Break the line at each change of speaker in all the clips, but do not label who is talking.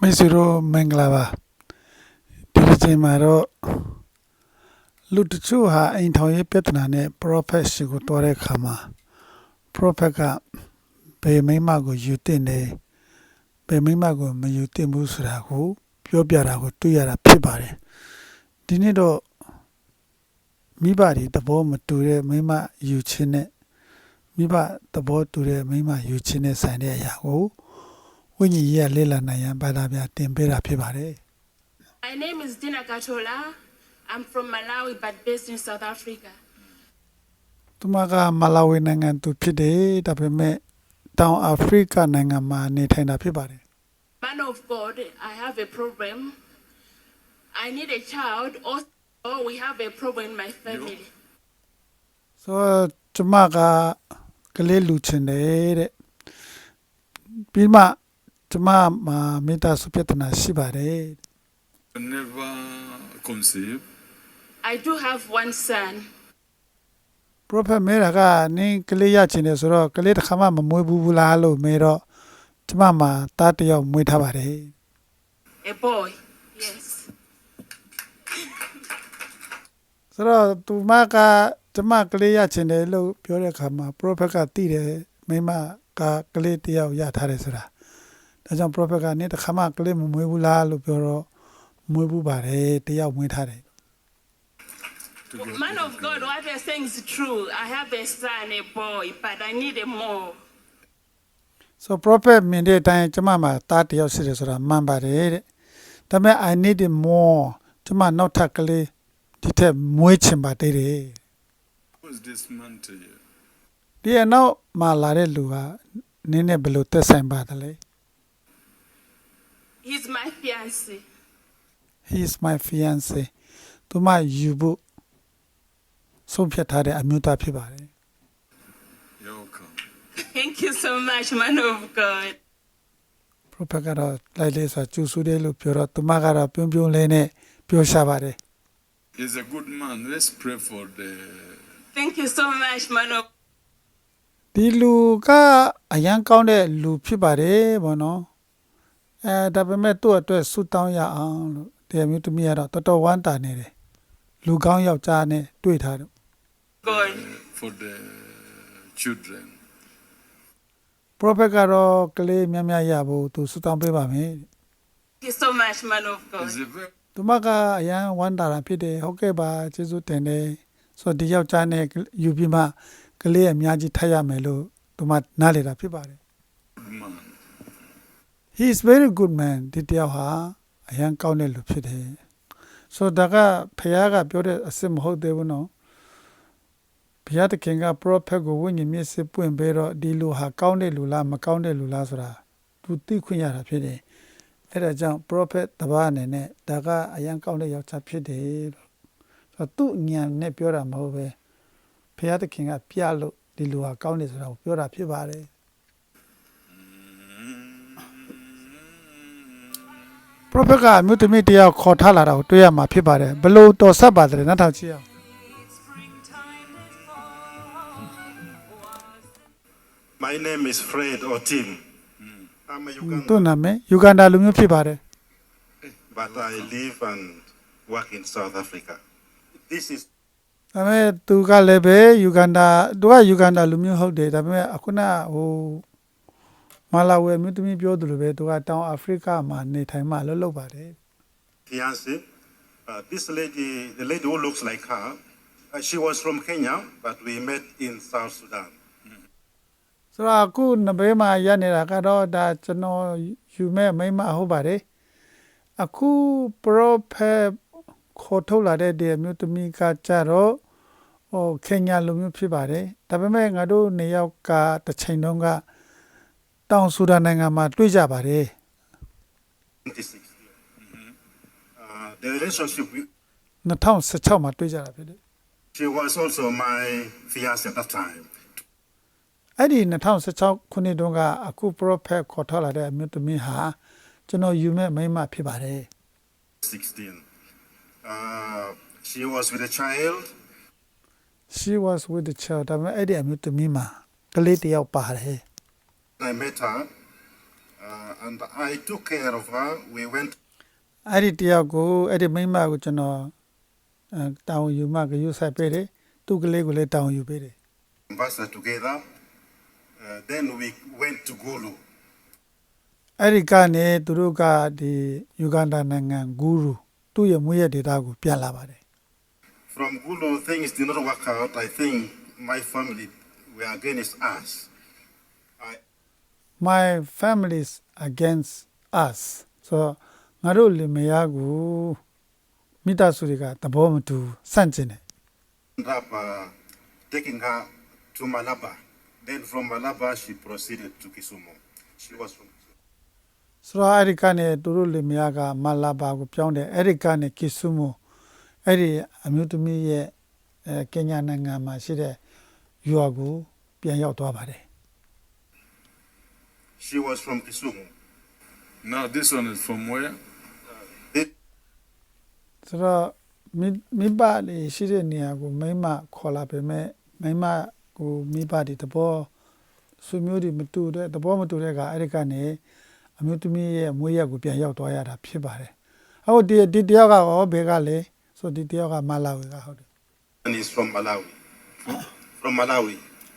မိတ်ဆွေတို့မင်္ဂလာပါဒီတစ်ချိန်မှာတော့လူတချို့ဟာအိမ်ထောင်ရေးပြဿနာနဲ့ prophet ရှိကိုတွားတဲ့အခါမှာ prophet ကဘယ်မိမကိုယူတင်တယ်ဘယ်မိမကိုမယူတင်ဘူးဆိုတာကိုပြောပြတာကိုတွေ့ရတာဖြစ်ပါတယ်ဒီနေ့တော့မိဘတွေသဘောမတူတဲ့မိမယူခြင်းနဲ့မိဘသဘောတူတဲ့မိမယူခြင်းနဲ့ဆိုင်တဲ့အရာကိုဝိညာဉ်ရေးလေ့လာနိုင်ရန်ဘာသာပြန်တင်ပေးတာဖြစ်ပါတယ်
My name is Dina Katola. I'm from Malawi but based in South Africa.
သူမကမလာဝီနိုင်ငံသူဖြစ်တယ်ဒါပေမဲ့တောင်အာဖရိကနိုင်ငံမှာနေထိုင်တာဖြစ်ပါတယ်
Man of God, I have a problem. I need a child. Also, we have a problem in my family.
ဆိုတော့ကျမကကလေးလူချင်တယ်တဲ့ပြီးမှကျမမှာမိသားစုပြဿနာရှိပါတယ်
Never conceive.
I do have one son.
prophet မဲတာကနင်းကလေးရချင်တယ်ဆိုတော့ကလေးတစ်ခါမှမမွေးဘူးလားလို့မဲတော့ကျမမှာသားတစ်ယောက်မွေးထားပါတယ်
A boy. Yes.
ဆိုတော့သူမကကျမကလေးရချင်တယ်လို့ပြောတဲ့အခါမှာ prophet ကသိတယ်မိမကကလေးတစ်ယောက်ရထားတယ်ဆိုတာဒါကြောင့် prophet ကနင်းတစ်ခါမှကလေးမမွေးဘူးလားလို့ပြောတော့မွေးဘူးပါတယ်တစ်ယောက်မွေးထားတယ်
Man of God, what you're saying is true. I have a son, a boy, but I need a more.
so prophet မြင်တဲ့အတိုင်းကျမမှာသားတစ်ယောက်ရှိတယ်ဆိုတာမှန်ပါတယ်တဲ့ဒါပေမဲ့ I need it more ကျမနောက်ထပ်ကလေးဒီထက်မွေးချင်ပါတယ်တဲ့
Who is this man to you?
ဒီအနောက်မှာလာတဲ့လူကနင်းနဲ့ဘယ်လိုသက်ဆိုင်ပါသလဲ
He's my fiancé.
he is my fiance သူမယူဖို့ဆုံးဖြတ်ထားတဲ့အမျိုးသားဖြစ်ပါတယ်
You're welcome.
Thank you so much, man of God.
prophet ကတော့လိုက်လေဆိုကျူဆူတယ်လို့ပြောတော့သူမကတော့ပြုံးပြုံးလေးနဲ့ပြောရှာပါတယ်
He's a good man. Let's pray for the.
Thank you so much, man of
ဒီလူကအရန်ကောင်းတဲ့လူဖြစ်ပါတယ်ဘောနော်ဒါပေမဲ့သူ့အတွက်ဆူတောင်းရအောင်လို့တရားမျိုးသမီးကတော့တော်တော်ဝမ်းတာနေတယ်လူကောင်းယောက်ျားနဲ့တွေ့ထားတယ်
God.
For the children.
prophet ကတော့ကလေးများများရဖို့သူဆူတောင်းပေးပါမယ်
Thank you so much, man of God.
He's a very
သူမကအရန်ဝမ်းတာတာဖြစ်တယ်ဟုတ်ကဲ့ပါကျေးဇူးတင်တယ်ဆိုတော့ဒီယောက်ျားနဲ့ယူပြီးမှကလေးအများကြီးထပ်ရမယ်လို့သူမနားလေတာဖြစ်ပါတယ်
good man.
he is very good man ဒီတယောက်ဟာအရန်ကောင်းတဲ့လူဖြစ်တယ်ဆိုတော့ဒါကဖခင်ကပြောတဲ့အစ်စ်မဟုတ်သေးဘူးနော်ဘုရားသခင်က prophet ကိုဝိညာဉ်မျက်စိပွင့်ပေးတော့ဒီလူဟာကောင်းတဲ့လူလားမကောင်းတဲ့လူလားဆိုတာသူသိခွင့်ရတာဖြစ်တယ်အဲ့ဒါကြောင့် prophet တပါးအနေနဲ့ဒါကအရန်ကောင်းတဲ့ယောက်ျားဖြစ်တယ်လို့ဆိုတော့သူ့ဉာဏ်နဲ့ပြောတာမဟုတ်ပဲဘုရားသခင်ကပြလို့ဒီလူဟာကောင်းတယ်ဆိုတာကိုပြောတာဖြစ်ပါတယ် prophet ကအမျိုးသမီးတယောက်ခေါ်ထားလာတာကိုတွေ့ရမှာဖြစ်ပါတယ်ဘလို့တော်ဆက်ပါတယ်နောက်ထောင်ကြည့်အောင်
My name is Fred Otim. I'm a
သူ့
Ugandan,
နာမည်ယူဂန္ဒာလူမျိုးဖြစ်ပါတယ်
but I live and work in South Africa. This is
ဒါပေမဲ့သူကလည်းပဲယူဂန္ဒာသူကယူဂန္ဒာလူမျိုးဟုတ်တယ်ဒါပေမဲ့အခုနဟိုမလာဝေမြို့သမီးပြောသူလိုပဲသူကတောင်အာဖရိကမှာနေထိုင်မှလှုပ်လှုပ်ပါတယ်
fiance. This lady, the lady who looks like her, she was from Kenya, but we met in South Sudan.
ဆိုတော့အခုနဘေးမှာရနေတာကတော့ဒါကျွန်တော်ယူမဲ့မိမဟုတ်ပါတယ်အခု prophet ခေါ်ထုတ်လာတဲ့ဒီမြို့သမီးကကြတော့ဟိုခင်ညာလူမျိုးဖြစ်ပါတယ်ဒါပေမဲ့ငါတို့နေရောက်ကတစ်ချိန်တုန်းကတောင်ဆူဒန်နိုင်ငံမှာတွေ့ကြပါတယ်
2016. The relationship,
2016မှာတွေ့ကြတာဖြစ်တယ်
she was also my fiance at that time.
အဲ့ဒီ2016ခုနှစ်တုန်းကအခု prophet ခေါ်ထုတ်လာတဲ့အမျိုးသမီးဟာကျွန်တော်ယူမဲ့မိမဖြစ်ပါတယ်
16. She was with a child.
she was with the child ဒါပေမဲ့အဲ့ဒီအမျိုးသမီးမှာကလေးတစ်ယောက်ပါတယ်
I met her and I took care of her. We went
အဲ့ဒီတယောက်ကိုအဲ့ဒီမိန်းမကိုကျွန်တော်တောင်းယူမှကယူဆိုင်ပေးတယ်သူ့ကလေးကိုလည်းတောင်းယူပေးတယ်
to Mombasa together. Then we went to Gulu.
အဲ့ဒီကနေသူတို့ကဒီယူဂန္ဒာနိုင်ငံဂူရူသူ့ရဲ့မွေးရဒေတာကိုပြန်လာပါတယ်
From Gulu, things did not work out. I think my family were against us.
my families against us so ငါတို့လင်မယားကိုမိသားစုတွေကသဘောမတူစန့်ကျင်တယ်
Ended up taking her to Malaba. Then from Malaba, she proceeded to Kisumu. She was from Kisumu.
ဆိုတော့အဲ့ဒီကနေသူတို့လင်မယားကမလာဘာကိုပြောင်းတယ်အဲ့ဒီကနေကီဆူမိုအဲ့ဒီအမျိုးသမီးရဲ့ကင်ညာနိုင်ငံမှာရှိတဲ့ယူအကိုပြန်ရောက်သွားပါတယ်
She was from Kisumu.
Now this one is from where?
They
ဆိုတော့မိဘလေးရှိတဲ့နေရာကိုမိမခေါ်လာပေမဲ့မိမကိုမိဘတွေတဘောဆွေမျိုးတွေမတူတဲ့တဘောမတူတဲ့ကအဲ့ဒီကနေအမျိုးသမီးရဲ့မွေးရက်ကိုပြန်ရောက်သွားရတာဖြစ်ပါတယ်ဟုတ်ဒီတယောက်ကရောဘယ်ကလဲဆိုဒီတယောက်ကမလာဝေကဟုတ်တယ်
and is from Malawi. From Malawi.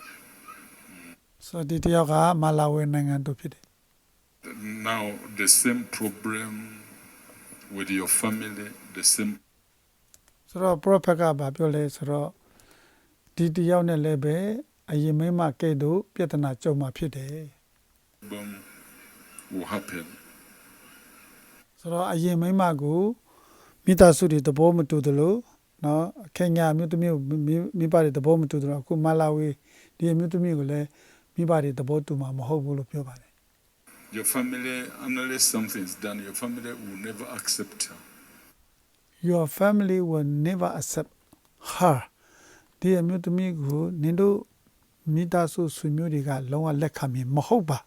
ဆိုဒီတယောက်ကမလာဝေနိုင်ငံသူဖြစ်တယ်
Now the same problem with your family, the same
ဆိုတော့ prophet ကဘာပြောလဲဆိုတော့ဒီတယောက်နဲ့လည်းပဲအရင်မိမကဲ့သို့ပြဿနာကြုံမှာဖြစ်တယ်
problem will happen.
ဆိုတော့အရင်မိမကိုမိသားစုတွေသဘောမတူသလိုနော်ခင်ညာမြို့သမီးကိုမိဘတွေသဘောမတူသလိုအခုမလာဝေဒီမြို့သမီးကိုလည်းမိဘတွေသဘောတူမှာမဟုတ်ဘူးလို့ပြောပါတယ်
Your family, unless something is done, your family will never accept her.
your family will never accept her ဒီမြို့သမီးကိုနင်တို့မိသားစုဆွေမျိုးတွေကလုံးဝလက်ခံမည်မဟုတ်ပါ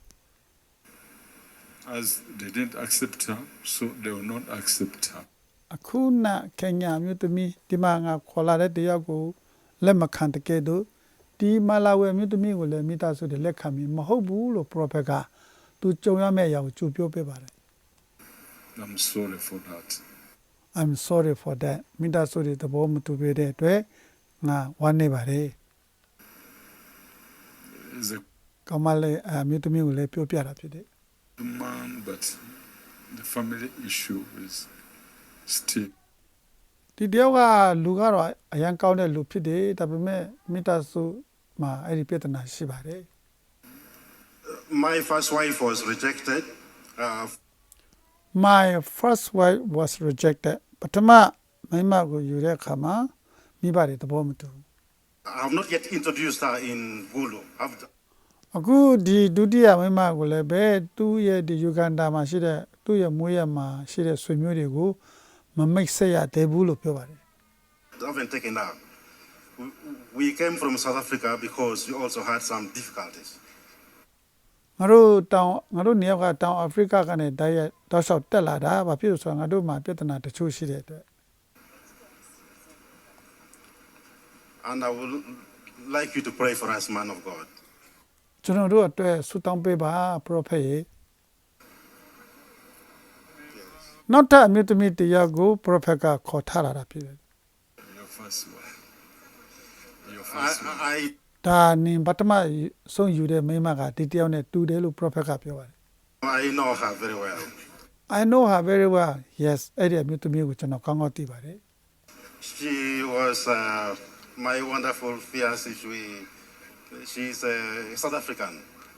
As they didn't accept her, so they will not accept her.
အခုနခင်ညာမြို့သမီးဒီမှာငါခေါ်လာတဲ့တယောက်ကိုလက်မခံတကယ်တော့ဒီမလာဝေမြို့သမီးကိုလည်းမိသားစုတွေလက်ခံမည်မဟုတ်ဘူးလို့ prophet ကသူကြုံရမယ့်အရာကိုကြိုပြောပေးပါတယ်
I'm sorry for that.
I'm sorry for that မိသားစုတွေသဘောမတူပေးတဲ့အတွက်ငါဝမ်းနေပါတယ်
He's a
ကောင်းမလေးမြို့သမီးကိုလည်းပြောပြတာဖြစ်တယ်
good man, but the family issue is still.
ဒီတယောက်ကလူကတော့အရန်ကောင်းတဲ့လူဖြစ်တယ်ဒါပေမဲ့မိသားစုမှာအဲ့ဒီပြဿနာရှိပါတယ်
My first wife was rejected.
My first wife was rejected ပထမမိမကိုယူတဲ့အခါမှာမိဘတွေသဘောမတူ
I have not yet introduced her in Gulu.
အခုဒီဒုတိယမိမကိုလည်းပဲသူ့ရဲ့ဒီယူဂန္ဒာမှာရှိတဲ့သူ့ရဲ့မွေးရမှာရှိတဲ့ဆွေမျိုးတွေကိုမမိတ်ဆက်ရသေးဘူးလို့ပြောပါတယ်
I haven't taken her. We came from South Africa because we also had some difficulties.
ငါတို့နေရာကတောင်အာဖရိကကနေတိုက်ရိုက်တောက်လျှောက်တက်လာတာဘာဖြစ်လို့ဆိုတော့ငါတို့မှာပြဿနာတချို့ရှိတဲ့အတွက်
And I would like you to pray for us, man of God.
ကျွန်တော်တို့အတွက်ဆုတောင်းပေးပါ prophet ရေနောက်ထပ်အမျိုးသမီးတရားကို prophet ကခေါ်ထားလာတာဖြစ်တယ်
Your first wife. Your first wife.
I
ဒါနင်ပထမဆုံးယူတဲ့မိန်းမကဒီတယောက်နဲ့တူတယ်လို့ prophet ကပြောပါတယ်
know her very well.
I know her very well yes အဲ့ဒီအမျိုးသမီးကိုကျွန်တော်ကောင်းကောင်းသိပါတယ်
She was my wonderful fiancée. She's South African.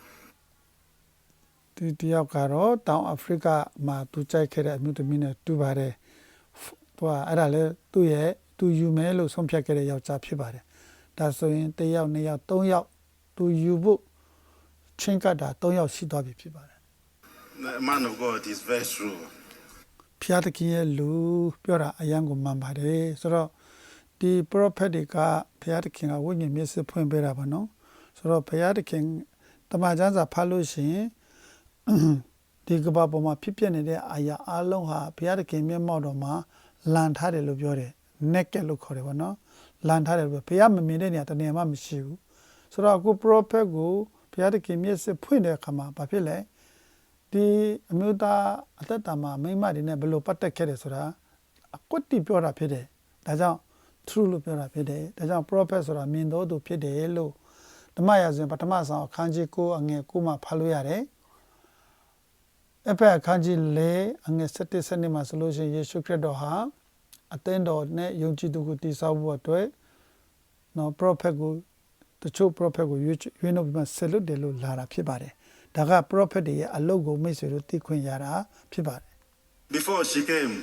ဒီတယောက်ကတော့တောင်အာဖရိကမှာသူကြိုက်ခဲ့တဲ့အမျိုးသမီးနဲ့တူပါတယ်သူကအဲ့ဒါလေသူယူမယ်လို့ဆုံးဖြတ်ခဲ့တဲ့ယောက်ျားဖြစ်ပါတယ်ဒါဆိုရင်တစ်ယောက်နှစ်ယောက်သုံးယောက်သူယူဖို့ချင်းကတာ၃ယောက်ရှိသွားပြီဖြစ်ပါတယ်
The man of God is very true.
ဖျားတခင်ရဲ့လူပြောတာအယံကိုမှန်ပါတယ်ဆိုတော့ဒီ prophet တွေကဖျားတခင်ကဝိညာဉ်မျက်စိဖွင့်ပေးတာပါနော်ဆိုတော့ဖျားတခင်တမန်ကျမ်းစာဖတ်လို့ရှိရင်ဒီကဘာပေါ်မှာဖြစ်ပျက်နေတဲ့အရာအလုံးဟာဘုရားသခင်မျက်မှောက်တော်မှာလန်ထားတယ်လို့ပြောတယ် naked လို့ခေါ်တယ်ဗောနော်လန်ထားတယ်လို့ဘုရားမမြင်တဲ့နေရာတနေရာမှမရှိဘူးဆိုတော့အခု prophet ကိုဘုရားသခင်မျက်စိဖွင့်တဲ့အခါမှာဘာဖြစ်လဲဒီအမျိုးသားအသက်တာမှာမိမတွေနဲ့ဘယ်လိုပတ်သက်ခဲ့တယ်ဆိုတာအကွတ်တိပြောတာဖြစ်တယ်ဒါကြောင့် true လို့ပြောတာဖြစ်တယ်ဒါကြောင့် prophet ဆိုတာမြင်တော်သူဖြစ်တယ်လို့ဓမ္မရာဇဝင်ပထမဆောင်အခန်းကြီး9အငယ်9မှာဖတ်လို့ရတယ်အဖက်အခန်းကြီး4အငယ်17 17မှာဆိုလို့ရှိရင်ယေရှုခရစ်တော်ဟာအသင်းတော်နဲ့ယုံကြည်သူကိုတည်ဆောက်ဖို့အတွက်နော် prophet ကိုတချို့ prophet ကိုရွေးနှုတ်ပြီးမှဆက်လွတ်တယ်လို့လာတာဖြစ်ပါတယ်ဒါက prophet တွေရဲ့အလုပ်ကိုမိတ်ဆွေတို့သိခွင့်ရတာဖြစ်ပါတယ်
Before she came,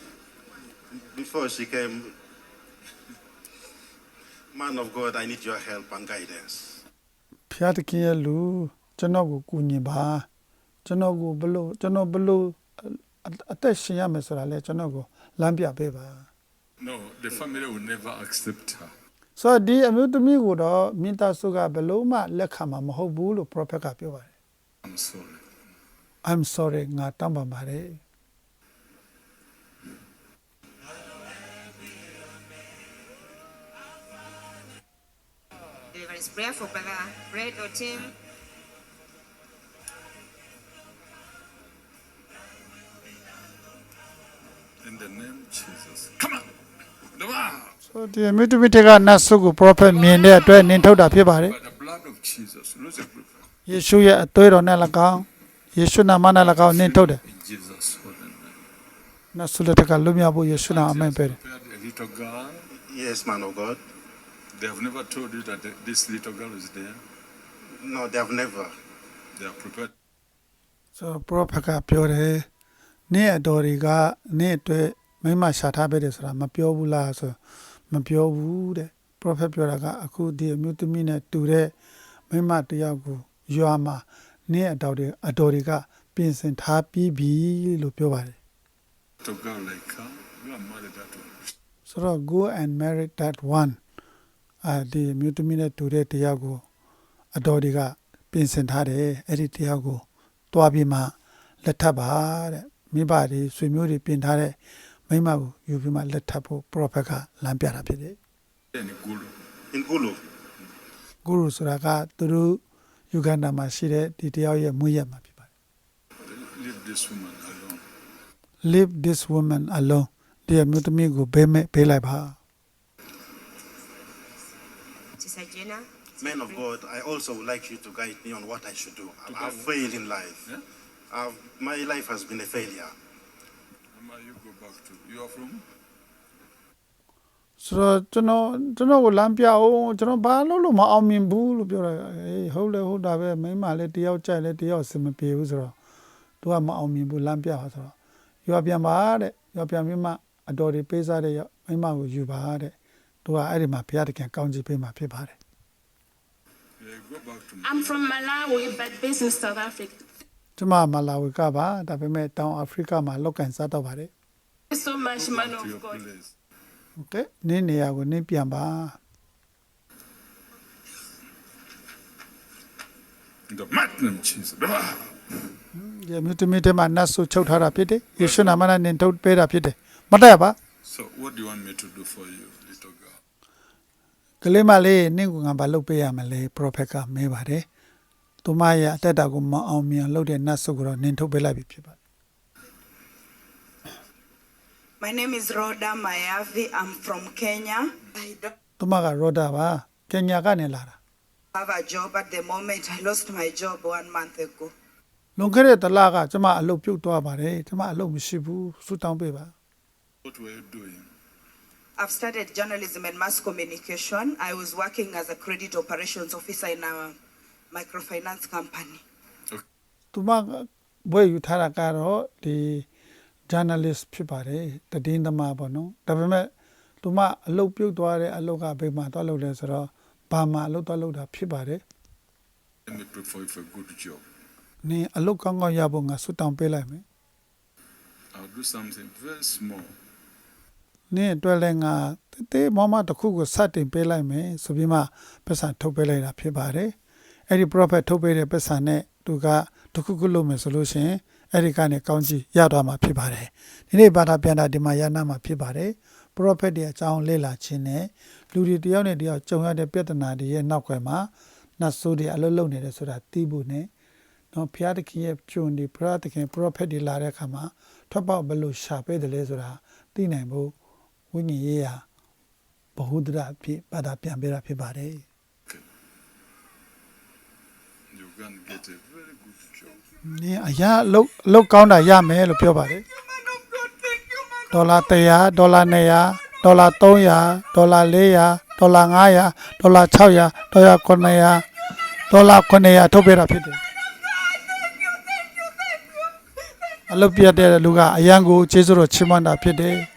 man of God, I need your help and guidance.
ဖျားတခင်ရဲ့လူကျွန်တော်ကိုကူညီပါကျွန်တော်ကိုဘလို့ကျွန်တော်ဘလို့အသက်ရှင်ရမယ်ဆိုတာလဲကျွန်တော်ကိုလမ်းပြပေးပါ
No, the family will never accept her.
ဆိုတော့ဒီအမျိုးသမီးကိုတော့မိသားစုကဘလို့မှလက်ခံမှာမဟုတ်ဘူးလို့ prophet ကပြောပါတယ်
I'm sorry.
I'm sorry ငါတောင်းပန်ပါတယ်
Deliverance prayer for Brother Fred Otim.
In the name of Jesus. Come on. The one.
ဆိုတော့ဒီအမျိုးသမီးတွေကနတ်ဆုကို prophet မြင်တဲ့အတွက်နင်းထုတ်တာဖြစ်ပါတယ်
By the blood of Jesus. Lose a grip.
ယေရှုရဲ့အသွေးတော်နဲ့၎င်းယေရှုနာမနဲ့၎င်းနင်းထုတ်တယ်
In Jesus' holy name.
နတ်ဆုလက်ထက်ကလွတ်မြောက်ဖို့ယေရှုနာအမိန့်ပေးတယ်
Prepared a little girl.
Yes, man of God.
They have never told you that this little girl is there.
No, they have never.
They are prepared.
ဆိုတော့ prophet ကပြောတယ်နေ့အတော်တွေကနေ့အတွက်မိမရှာထားပေးတယ်ဆိုတာမပြောဘူးလားဆိုမပြောဘူးတဲ့ prophet ပြောတာကအခုဒီအမျိုးသမီးနဲ့တူတဲ့မိမတယောက်ကိုရွာမှာနေ့အတော်တွေကပြင်ဆင်ထားပြီးပြီလို့ပြောပါတယ်
Little girl like her. You are married that one.
ဆိုတော့ go and marry that one ဒီအမျိုးသမီးနဲ့တူတဲ့တယောက်ကိုအတော်တွေကပြင်ဆင်ထားတယ်အဲ့ဒီတယောက်ကိုတွားပြီးမှလက်ထပ်ပါတဲ့မိဘတွေဆွေမျိုးတွေပြင်ထားတဲ့မိမကိုယူပြီးမှလက်ထပ်ဖို့ prophet ကလမ်းပြတာဖြစ်တယ်
In Gulu.
In Gulu.
ဂုရုဆိုတာကသူတို့ယူဂန္ဓာမှာရှိတဲ့ဒီတယောက်ရဲ့မွေးရက်မှာဖြစ်ပါတယ်
Leave this woman alone.
leave this woman alone ဒီအမျိုးသမီးကိုဘေးလိုက်ပါ
Sister Jenna.
Man of God, I also would like you to guide me on what I should do. I've failed in life.
Yeah?
My life has been a failure.
Mama, you go back to. You are from?
ဆိုတော့ကျွန်တော်ကိုလမ်းပြအောင်ကျွန်တော်ဘာလို့မအောင်မြင်ဘူးလို့ပြောတာအေးဟုတ်တာပဲမိန်းမလည်းတယောက်ကြိုက်လည်းတယောက်စင်မပြေဘူးဆိုတော့သူကမအောင်မြင်ဘူးလမ်းပြပါဆိုတော့ရွာပြန်ပါတဲ့ရွာပြန်ပြီးမှအတော်တွေပေးစားတဲ့မိန်းမကိုယူပါတဲ့သူကအဲ့ဒီမှာဘုရားတခင်ကောင်းချီးပေးမှာဖြစ်ပါတယ်
Yeah, go back to.
I'm from Malawi, but based in South Africa.
ကျွန်မမလာဝီကပါဒါပေမဲ့တောင်အာဖရိကမှာလောက်ကန်စားတော့ပါတယ်
Thank you so much, man
To
of
your
God.
place.
โอเคနင်းနေရာကိုနင်းပြန်ပါ
In the mighty name of Jesus. The one.
ဒီမြို့တမီတဲမှာနတ်ဆုချုပ်ထားတာဖြစ်တယ်ယေရှုနာမနဲ့နင်းထုတ်ပေးတာဖြစ်တယ်မတက်ပါ
So, what do you want me to do for you, little girl?
ကလေးမလေးနင့်ကငါဘာလုပ်ပေးရမလဲ prophet ကမဲပါတယ်သူမရဲ့အသက်တာကိုမအောင်မြင်လုပ်တဲ့နတ်ဆုကိုတော့နင်းထုတ်ပေးလိုက်ပြီဖြစ်ပါတယ်
My name is Rhoda Mayavi. I'm from Kenya. I don't
သူမကရောဒါပါကင်ညာကနေလာတာ
have a job at the moment. I lost my job 1 month ago.
လွန်ခဲ့တဲ့တလကကျမအလုပ်ပြုတ်သွားပါတယ်ကျမအလုပ်မရှိဘူးဆူတောင်းပေးပါ
What were you doing?
I've studied journalism and mass communication. I was working as a credit operations officer in a microfinance company.
သူမဘွဲယူထားတာကတော့ဒီ journalist ဖြစ်ပါတယ်တည်င်းသမားပေါ့နော်ဒါပေမဲ့သူမအလုပ်ပြုတ်သွားတဲ့အလုပ်ကဘယ်မှာသွားလုပ်လဲဆိုတော့ဘာမှအလုပ်သွားလုပ်တာဖြစ်ပါတယ်
Let me pray for you for a good job.
နင်အလုပ်ကောင်းကောင်းရဖို့ငါဆွတောင်းပေးလိုက်မယ်
I'll do something very small.
နင်အတွက်လည်းငါတေးမမတစ်ခုကိုစတင်ပေးလိုက်မယ်ဆိုပြီးမှပတ်စံထုတ်ပေးလိုက်တာဖြစ်ပါတယ်အဲ့ဒီ prophet ထုတ်ပေးတဲ့ပတ်စံနဲ့သူကတစ်ခုခုလုပ်မယ်ဆိုလို့ရှိရင်အဲ့ဒီကနေကောင်းကြီးရသွားမှာဖြစ်ပါတယ်ဒီနေ့ဘာသာပြန်တာဒီမှာရနာမှာဖြစ်ပါတယ် prophet ရဲ့အကြောင်းလေ့လာခြင်းနဲ့လူတွေတယောက်နဲ့တယောက်ကြုံရတဲ့ပြဿနာတွေရဲ့နောက်ွယ်မှာနတ်ဆိုးတွေအလုပ်လုပ်နေတယ်ဆိုတာသိဖို့နဲ့နော်ဘုရားသခင်ရဲ့ကျွန်ဒီဘုရားသခင် prophet တွေလာတဲ့အခါမှာထွက်ပေါက်ဘယ်လိုရှာပေးတယ်လဲဆိုတာသိနိုင်ဖို့ဝိညာဉ်ရေးရာဘဟုဒ္ဒရာဖြစ်ဘာသာပြန်ပေးတာဖြစ်ပါတယ်
You can get a very good job.
နင်အရာအလုပ်ကောင်းတာရမယ်လို့ပြောပါတယ်ဒေါ်လာ100ဒေါ်လာ200ဒေါ်လာ300ဒေါ်လာ400ဒေါ်လာ500ဒေါ်လာ600ဒေါ်လာ900ဒေါ်လာ900ထုတ်ပေးတာဖြစ်တယ်အလုပ်ပြတဲ့လူကအရန်ကိုကျေးဇူးတော်ချီးမွမ်းတာဖြစ်တယ်